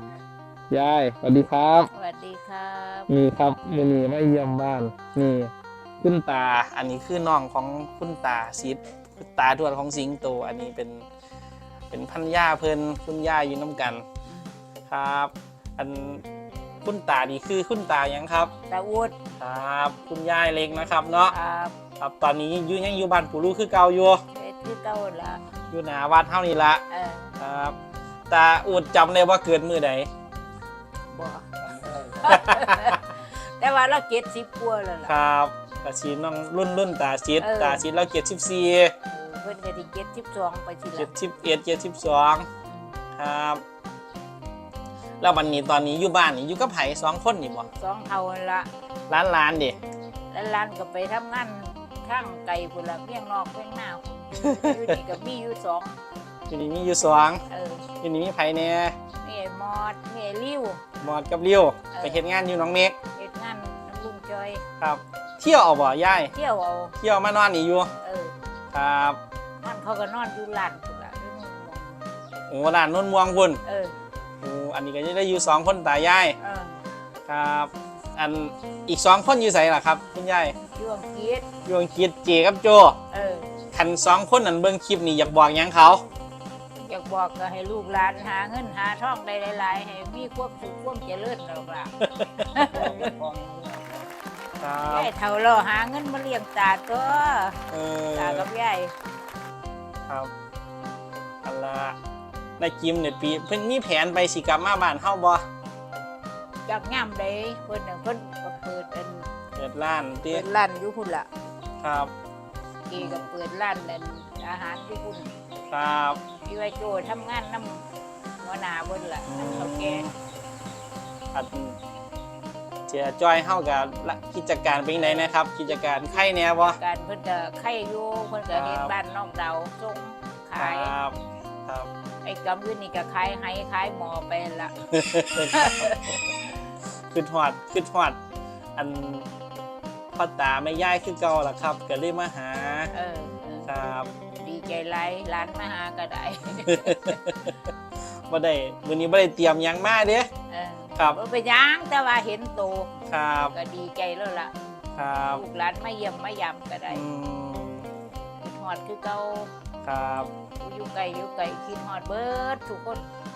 ยายสวัสดีครับสวัสดีครับนี่ครับมือนี้มาเยี่ยมบ้านนี่คุณตาอันนี้คือน้องของคุณตาซิดคุณตาทวดของสิงโตอันนี้เป็นพันย่าเพิ่นคุณย่าอยู่น้ำกันครับอันคุณตาดีคือคุณตายังครับตาวุฒครับคุณยายเล็กนะครับเนาะครับครับตอนนี้ยังอยู่บ้านปู่ลูกคือเก่าอยู่เฮ็ดคือเก่าละอยู่หน้าวัดเท่านี้ละเออครับตาอุดจำได้ว่าเกิดมือใดบ่ แต่ว่าเรา70กว่าแล้วคล่ะรับกระชีน้องรุ่นตาชิด ตาชิดเราเกียรติ14 เพิ่นก็สิ72ไปทีละ 71 72ครับแล้ววันนี้ตอนนี้อยู่บ้านนี่อยู่กับไผ2คนนี่บ่สองเท่านั่นละร้านดิแล้วหลานก็ไปทำงานทางไกลพุ่นละเมียงนอกเมียงหน้าพุ่นอยู่นี่ก็มีอยู่สองอยู่นี่มีอยู่2อยู่นี่มีไผแน่มีไอ้มอดมีไอ้ลิ้วหมอดกับริ้วไปเฮ็ดงานอยู่หนองเมฆเฮ็ดงานน้ำลุงจอยครับ เที่ยวเอาบ่ยายเที่ยวเอาเที่ยวมานอนนี่อยู่ครับมันเขาก็นอนอยู่ร้านพุ่นละอยู่นู่นโอ้ร้านนนม่วงพุ่นเออโอ้อันนี้ก็จะได้อยู่2คนตายายเออครับอันอีก2คนอยู่ไสล่ะครับคุณยายช่วงคิดอยู่อังกฤษเจกับโจเออคัน2คนนั้นเบิ่งคลิปนี่อยากบอกหยังเขาอยากบอกก็ให้ลูกหลานหาเงินหาทองได้หลายๆให้มีความสุขความเจริญหรอกล่ะครับยายเฒ่าเราหาเงินมาเลี้ยงตาตัวเออตากับยายครับอันละในกิมเนี่ยปีเพิ่นมีแผนไปสิกลับมาบ้านเฮาบ่จากย่ำได้เพิ่นน่ะเพิ่นก็เปิดเปิดร้านติเปิดร้านอยู่พุ่นล่ะครับกีก็เปิดร้านนั่นอาหารอยู่พุ่นครับพี่ว่าโจทำงานนำหัวหน้าเพิ่นล่ะนำเขาแก่อันเจียจอยเฮากับกิจการเป็นไงนะครับ กิจการไข่แหน่บ่การเพิ่นก็ไข่อยู่เพิ่นก็เฮ็ดบ้านน้องดาวส่งคขายรับครับไอ้กำอื่นนี่ก็ขายไห้ขายหมอไปละคือทอดอันพ่อตาไม่ย่ายคือเก่าล่ะครับก็เลยมาหาเออครับดีใจไรร้านมาหาก็ได้บ่ได้มื้อนี้บ่ได้เตรียมหยังมาเด้เออครับบ่ไปย่างแต่ว่าเห็นโตครับก็ดีใจแล้วล่ะครับลูกหลานมาเยี่ยมมายามก็ได้อืมคิดฮอดคือเก่าครับอยู่ไกลคิดฮอดเบิดทุกคน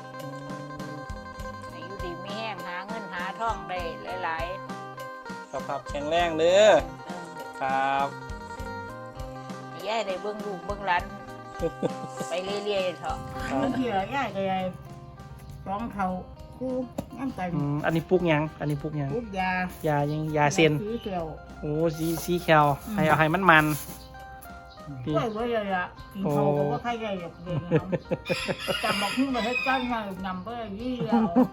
ให้อยู่ดีมีแห้งหาเงินหาทองได้หลายสภาพแข็งแรงเด้อๆครับให้ยายได้เบิ่งลูกเบิ่งหลาน ไปเรื่อยๆเถอะครับเที่ยยายก็ได้ร้องเขาคู่น้ำกันอันนี้ปลูกหยังอันนี้ปลูกหยังลูกยายายังยาเส้นสีเขียวโอ้สีแคลให้เอาให้มันกล้วยไว้เลยอ่ะกินเขาก็ว่าใครใหญ่หรอกเด็กจำบอกขึ้นมาให้จ้างงานนำไปยี่แล้ว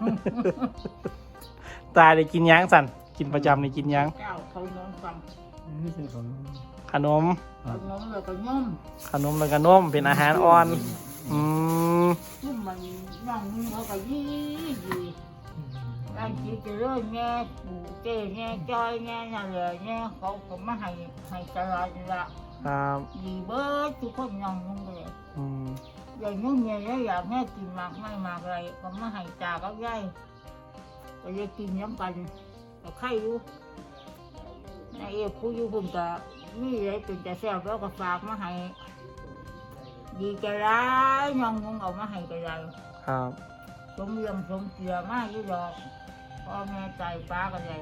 ตาได้กินหยังสั่นกินประจำได้กินหยังเจ้าเขาน้องฟังขนมเขาน้องเลยก็ย่อมขนมแล้วก็นมเป็นอาหารอ่อนอืมยุ่มมันย่องเขาก็ยี่ร่างจีจะเลื่อนแง่ปู่เจ้แง่จอยแง่นั่นแหละแง่เขาก็มาให้ตลอดละครับดีเบิร์ดทุกคนย่องลงเลยอืมอย่างนู้นเนี่ยอยากให้กินมากไม่มากอะไรก็มาให้ตาก็ย่ายก็จะกินย้ำกันก็ไข่อยู่นายเอฟผู้อยู่คุณก็มีอะไรเป็นจะแซ่บแล้วก็ฝากมาให้ดีใจร้ายน้องงงเอามาให้ก็ได้ครับสมเรียงสมเกียมากอยู่ดอกพ่อแม่ใจป้าก็ได้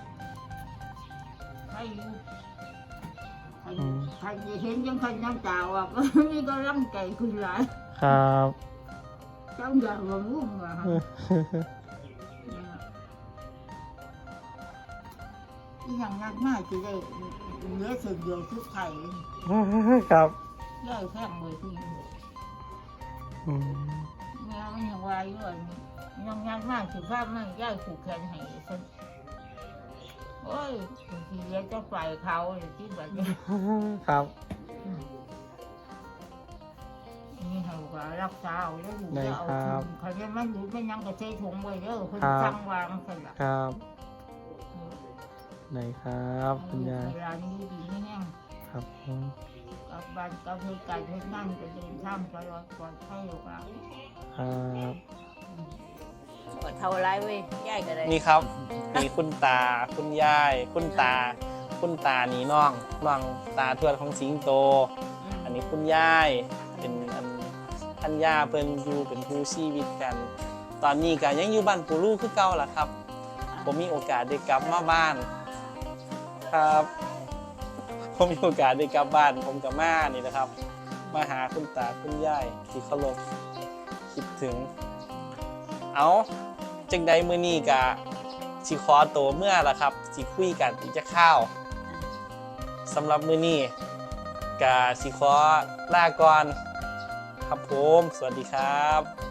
ไข่อยู่ใครจะเห็นยังใครน้ำตาอ่ะก็มีก็ร่างใจขึ้นหลายครับเจ้าอย่าหลงลุ่มว่ะที่อย่างนั้นมากจะได้เหลือส่วนเดียวชุดไข่ครับย่อยแข้งเลยที่อืมแม่มันยังวายอยู่ยังงานมากสุภาพมากย่อยผูกแขนให้ฉันโอ้ยบางทีเลี้ยจะปล่อยเขาที่แบบนี้ครับนี่เขาก็รักษาเอาแล้วอยู่แล้วเอาเขาจะมันอยู่ไม่ยังก็ใช้ถุงไว้เด้อคนสั่งวางใส่ละครับไหนครับคุณยายเวลานี้ดีไม่แห้งครับกับบ้านกับเพื่อนกันเพื่อนนั่งจะเดินข้ามตลอดปลอดภัยหรอกอ่ะครับสวัสเท่าไรเว้ยยายก็ได้นี่ครับมีคุณตาคุณยายคุณตานี่น้องตาทวดของสิงโต อันนี้คุณยายเป็นท่านย่าเพิ่นอยู่เป็นคู่ชีวิตกัน ตอนนี้ก็ยังอยู่บ้านปู่ลูกคือเก่าล่ะครับผมมีโอกาสได้กลับมาบ้านครับผมมีโอกาสได้กลับบ้านผมกับม่านี่นะครับ มาหาคุณตาคุณยายที่เคารพคิดถึง เอาจังใดมื้อนี้ก็สิขอตัวเมื่อล่ะครับสิคุยกันอีกจะข้าวสำหรับมื้อนี้ก็สิขอลาก่อนครับผมสวัสดีครับ